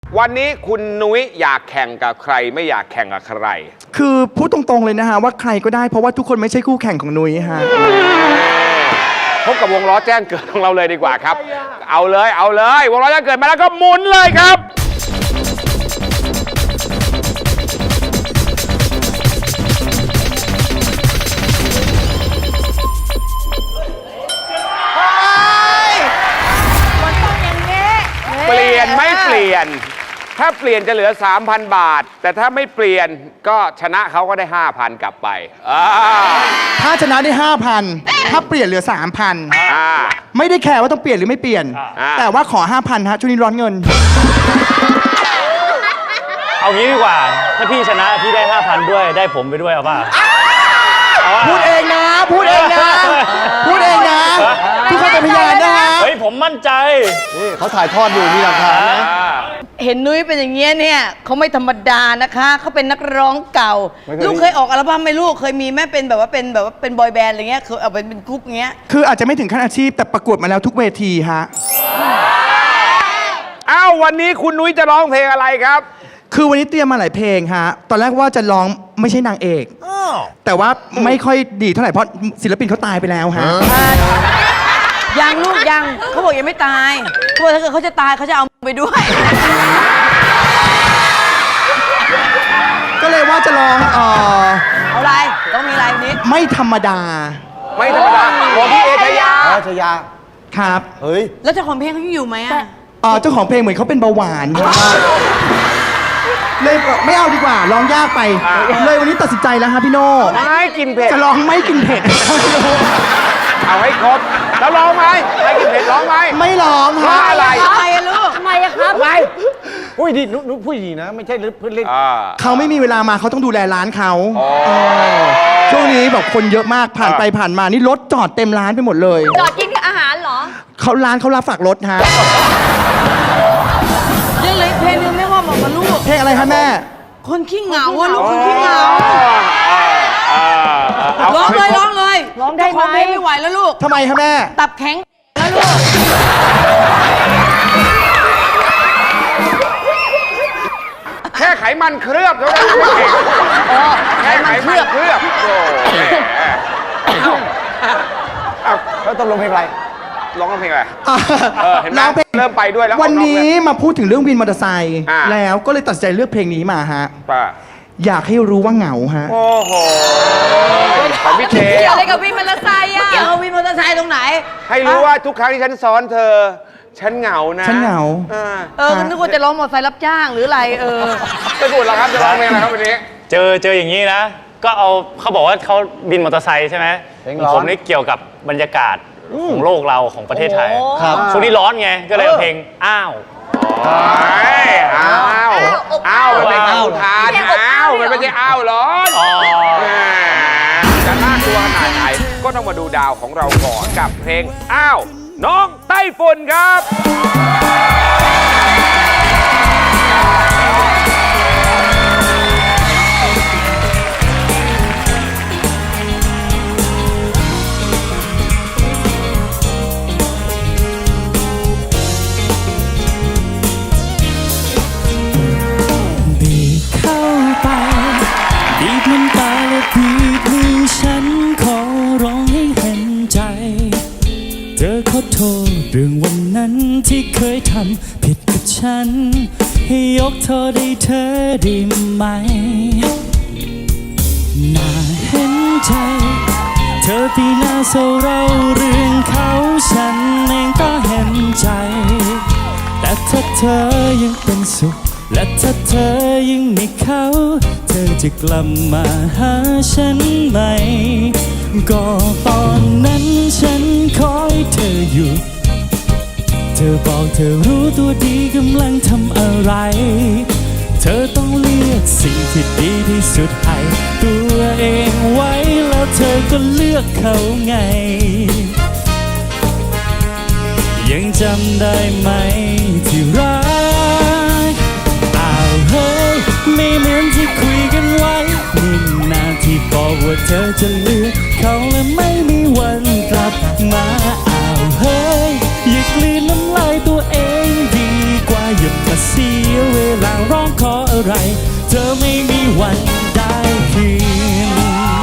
วันนี้คุณนุ้ยอยากแข่งกับใครไม่อยากแข่งกับใครคือพูดตรงๆเลยนะฮะว่าใครก็ได้เพราะว่าทุกคนไม่ใช่คู่แข่งของนุ้ยฮะพบกับวงล้อแจ้งเกิดของเราเลยดีกว่าครับเอาเลยวงล้อแจ้งเกิดมาแล้วก็หมุนเลยครับเปลี่ยนไม่เปลี่ยนถ้าเปลี่ยนจะเหลือ 3,000 บาทแต่ถ้าไม่เปลี่ยนก็ชนะเขาก็ได้ 5,000 กลับไปถ้าชนะได้ 5,000 ถ้าเปลี่ยนเหลือ 3,000 ไม่ได้แคร์ว่าต้องเปลี่ยนหรือไม่เปลี่ยนแต่ว่าขอ 5,000 ฮะช่วงนี้ร้อนเงินเอางี้ดีกว่าถ้าพี่ชนะพี่ได้ 5,000 ด้วยได้ผมไปด้วยเอาป่ะพูดเองนะทุกคนเป็นพยานนะฮะเฮ้ยผมมั่นใจนี่เขาถ่ายทอดอยู่มีหลักฐานนะเห็นนุ้ยเป็นอย่างเงี้ยเนี่ยเขาไม่ธรรมดานะคะเขาเป็นนักร้องเก่าลูกเคยออกอัลบั้มไหมลูกเคยมีแม่เป็นแบบว่าเป็นบอยแบนด์อะไรเงี้ยเคยเอาเป็นกรุ๊ปเงี้ยคืออาจจะไม่ถึงขั้นอาชีพแต่ประกวดมาแล้วทุกเวทีฮะวันนี้คุณนุ้ยจะร้องเพลงอะไรครับคือวันนี้เตรียมมาหลายเพลงฮะตอนแรกว่าจะร้องไม่ใช่นางเอกแต่ว่าไม่ค่อยดีเท่าไหร่เพราะศิลปินเขาตายไปแล้วฮะยังลูกยังเขาบอกยังไม่ตายเขาบอกถ้าเกิดเขาจะตายเขาจะเอาไปด้วยก็เลยว่าจะร้องเอาอะไรต้องมีอะไรนิดไม่ธรรมดาของพี่เอชยาครับเฮ้ยแล้วเจ้าของเพลงเขาอยู่ไหมเจ้าของเพลงเหมือนเขาเป็นเบาหวานเลยไม่เอาดีกว่าร้องยากไปเลยวันนี้ตัดสินใจแล้วฮะพี่โน่ไม่กินเผ็ดจะร้องไม่กินเผ็ดเอาให้ครบแล้วร้องไหมไม่กินเผ็ดร้องไหมไม่ร้องฮะอะไรทำไมลูกทำไมครับอะไรพูดดีนุ๊กพูดดีนะไม่ใช่เพื่อนเล่นเขาไม่มีเวลามาเขาต้องดูแลร้านเขาช่วงนี้แบบคนเยอะมากผ่านไปผ่านมานี่รถจอดเต็มร้านไปหมดเลยจอดกินอาหารเหรอร้านเขารับฝากรถฮะเรื่องเลยเพลงนึงไม่ว่าบอกมาลูกเพลงอะไรคะแม่คนขี้เหงาลูกคนขี้เหงาร้องเลยร้องได้ไหมไม่ไหวแล้วลูกทำไมคะแม่ตับแข็งแล้วลูกแค่ไขมันเคลือบเท่านั้นแค่ไขมันเคลือบแล้วต้องลงเพลงอะไรร้องเพลงอะไรเห็นไหมเริ่มไปด้วยแล้ววันนี้มาพูดถึงเรื่องวินมอเตอร์ไซค์แล้วก็เลยตัดสินใจเลือกเพลงนี้มาฮะอยากให้รู้ว่าเหงาฮะโอ้โหของพี่เจเกี่ยวอะไรกับวินมอเตอร์ไซค์เกี่ยวกับวินมอเตอร์ไซค์ตรงไหนให้รู้ว่าทุกครั้งที่ฉันซ้อนเธอฉันเหงานะฉันเหงานึกว่าจะร้องมอเตอร์ไซค์รับจ้างหรืออะไรจะพูดแล้วครับจะร้องเพลงอะไรครับวันนี้เจออย่างนี้นะก็เขาบอกว่าเขาบินมอเตอร์ไซค์ใช่ไหมผมนี่เกี่ยวกับบรรยากาศของโลกเราของประเทศไทยช่วงนี้ร้อนไงก็เลยเอาเพลงอ้าวมันเป็นคำทานมันไม่ใช่อ้าวร้อนจะน่ากลัวขนาดไหนก็ต้องมาดูดาวของเราก่อนกับเพลงอ้าวน้องไต้ฝุ่นครับเรื่องวันนั้นที่เคยทำผิดกับฉันให้ยกโทษให้เธอได้ไหมน่าเห็นใจเธอที่น่าเศร้าเราเรื่องเขาฉันเองก็เห็นใจแต่ถ้าเธอยังเป็นสุขและถ้าเธอยังมีเขาเธอจะกลับมาหาฉันไหมก็ตอนนั้นฉันคอยเธออยู่เธอบอกเธอรู้ตัวดีกำลังทำอะไรเธอต้องเลือกสิ่งที่ดีที่สุดให้ตัวเองไว้แล้วเธอก็เลือกเขาไงยังจำได้ไหมที่รักเฮ้ยไม่เหมือนที่คุยกันไว้นี่นาที่บอกว่าเธอจะเลือกเขาและไม่มีวันกลับมาเฮ้ยอย่ากลืนน้ำลายตัวเองดีกว่าอย่ามาเสียเวลาร้องขออะไร เธอไม่มีวันได้คืน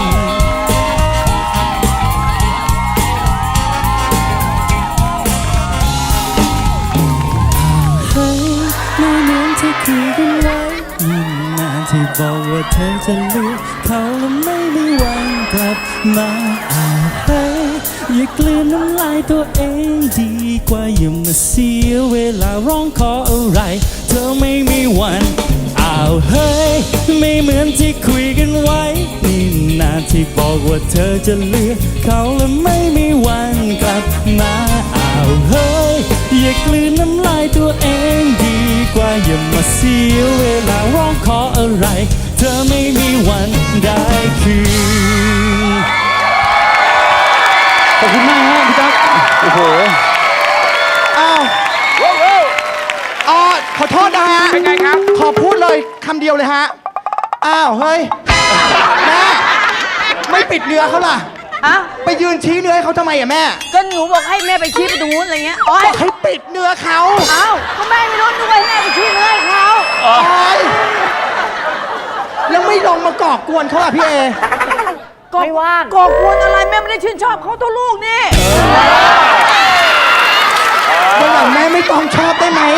ให้ไม่เหมือนที่คุยกันไว้ยิ่งนานที่บอกว่าเธอจะเลือกเขาและไม่มีวันกลับมาให้อย่ากลืนน้ำลายตัวเองดีกว่าอย่ามาเสียเวลาร้องขออะไรเธอไม่มีวันเฮ้ยไม่เหมือนที่คุยกันไว้นี่นาที่บอกว่าเธอจะเลือกเขาและไม่มีวันกลับมาเฮ้ยอย่ากลืนน้ำลายตัวเองดีกว่าอย่ามาเสียเวลาร้องขออะไรเธอไม่มีวันได้คืนขอบคุณมากฮะพี่ตั๊กโอ้โหอ้าวขอโทษนะฮะเป็นไงครับขอพูดเลยคำเดียวเลยฮะ อ้าว เฮ้ย แม่ ไม่ปิดเนื้อเขาล่ะอะไปยืนชี้เนื้อให้เขาทำไมอะแม่ก็หนูบอกให้แม่ไปชี้ไปตรงนู้นอะไรเงี้ยโอ๊บยอกให้ปิดเนื้อเขาเอ้าก็แม่ไม่รู้ด้วยแม่ไปชี้เนื้อให้เขาโอ๊ยแล้วไม่ลงมาก่อกวนเขาอะพี่เอไม่ว่างก่อกวนอะไรแม่ไม่ได้ชื่นชอบเขาตัวลูกนี่วันหลังแม่ไม่ต้องชอบได้ไหม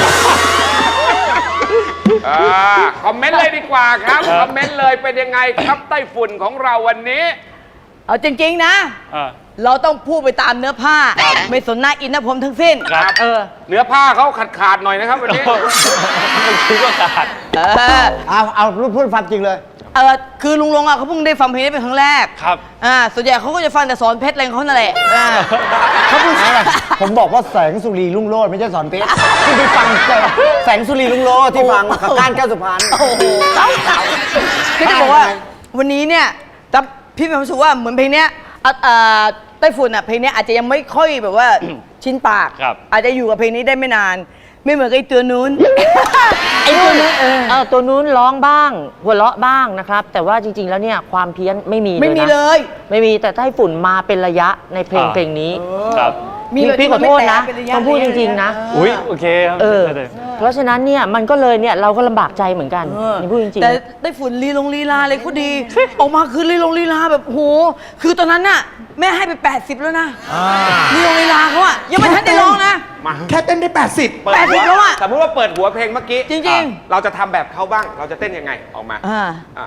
คอมเมนต์เลยดีกว่าครับ คอมเมนต์เลยเป็นยังไงครับไต้ฝุ่นของเราวันนี้เอาจริงๆนะ เราต้องพูดไปตามเนื้อผ้า ไม่สนหน้าอินหน้าผมทั้งสิ้นครับ เนื้อผ้าเขาขาดหน่อยนะครับวันนี้มันคิดว่าขาดเอาพูดความจริงเลยคือลุงลงอ่ะเขาเพิ่งได้ฟังเพลงนี้เป็นครั้งแรกครับส่วนใหญ่เขาก็จะฟังแต่สอนเพชรอะไรของเขานั่นแหละเขาพูดอะไรผมบอกว่าแสงสุรีรุ่งโรจน์ไม่ใช่สอนเพชรที่ไปฟังแสงสุรีรุ่งโรจน์ที่ฟังกับก้านแก้วสุพรรณโอ้โหเก่าคือจะบอกว่าวันนี้เนี่ยแต่พี่มีความรู้สึกว่าเหมือนเพลงเนี้ยไต้ฝุ่นอ่ะเพลงเนี้ยอาจจะยังไม่ค่อยแบบว่า ชินปากครับอาจจะอยู่กับเพลงนี้ได้ไม่นาน ไม่เหมือนกับไอ้ตัวนู้นไอ้ตัวนู้นตัวนู้นร้องบ้าง หัวเราะบ้างนะครับ แต่ว่าจริง ๆ แล้วเนี่ยความเพี้ยนไม่มีเลยนะไม่มีเลยไม่มีแต่ไต้ฝุ่นมาเป็นระยะในเพลงอ่าเพลงนี้ครับพี่ขอโทษนะต้องพูดจริง ๆ นะอุ้ยโอเคครับเพราะฉะนั้นเนี่ยมันก็เลยเนี่ยเราก็ลำบากใจเหมือนกันนี่พูดจริงแต่ไต้ฝุ่นลีลาอะไรก็ดี ออกมาคือลีลาแบบโหคือตอนนั้นน่ะแม่ให้ไป80แล้วนะลีลาเขาอะยังไม่ทันได้ร้องนะแค่เต้นได้ 80 เปิดหัว 80แล้วอะสมมติว่าเปิดหัวเพลงเมื่อกี้จริงๆเราจะทำแบบเขาบ้าง เราจะเต้นยังไงออกมาอ่าอ่ะ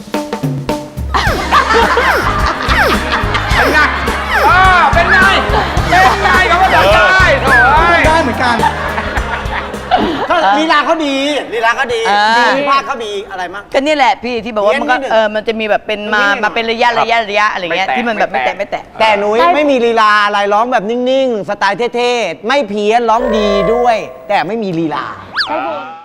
เป็นไงเป็นไงเป็นไงเขาก็ทำได้โถ่เอ้ยได้เหมือนกันลีลาเขาดีลีลาเขาดีอ่าดีภาคเขาดีอะไรมั้งก็นี่แหละพี่ที่แบบว่ามันก็เพี้ยนนิดนึงมันจะมีแบบเป็นมาเป็นระยะอะไรเงี้ยไม่แตะที่มันแบบไม่แตะแต่หนูไม่มีลีลาอะไรร้องแบบนิ่ง ๆ สไตล์เท่ ๆ ไม่เพี้ยนร้องดีด้วย แต่ไม่มีลีลาๆ